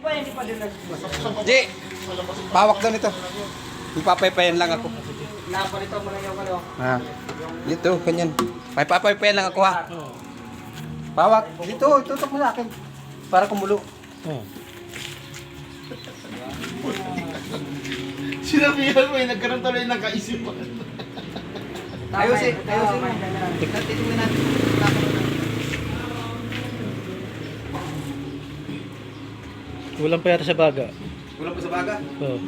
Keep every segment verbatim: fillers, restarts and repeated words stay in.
pa, hindi pa din nag-masok. Di, pawak daw nito. Ipapaypayan lang ako. Napalito mo na yung ano. Ha. Dito, ganyan. Paypapaypayan lang ako ha. Pawak. Dito, tutok mo sa akin. Para kumulo. Oh. Sinabihan mo eh, nagkaroon tuloy ng kaisipan. Ayusin, ayusin mo. Tignan, titingnan natin. Kulang pa yata sa baga. Kulang pa sa baga. Oh.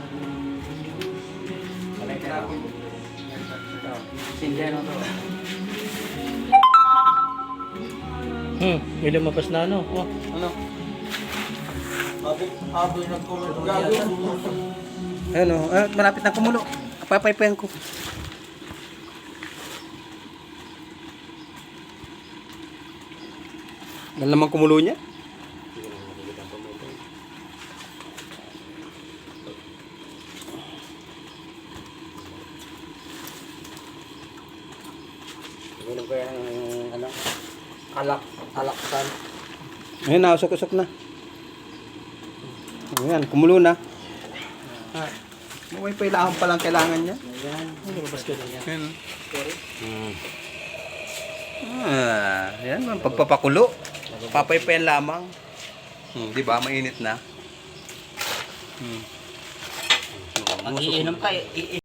Sindihan mo to. Hmm, may lumapas na ano. Oh. Ano? Habang habang nag-comment gago. Ayun o, ah, malapit na kumulo. Papaypayan ko. Dahil naman kumulo niya. Ano ba yung ano? Alak, alaksan. Ayun na, usok-usok na. Ayan, kumulo na. Ah, may pailahan pa lang kailangan niya. Ayan. Lumabas ka na yan. Ayan. Ah, yan, man, pagpapakulo. Papaypayan lamang. Hmm, di ba, mainit na. Hmm. Pag iinom ka, i-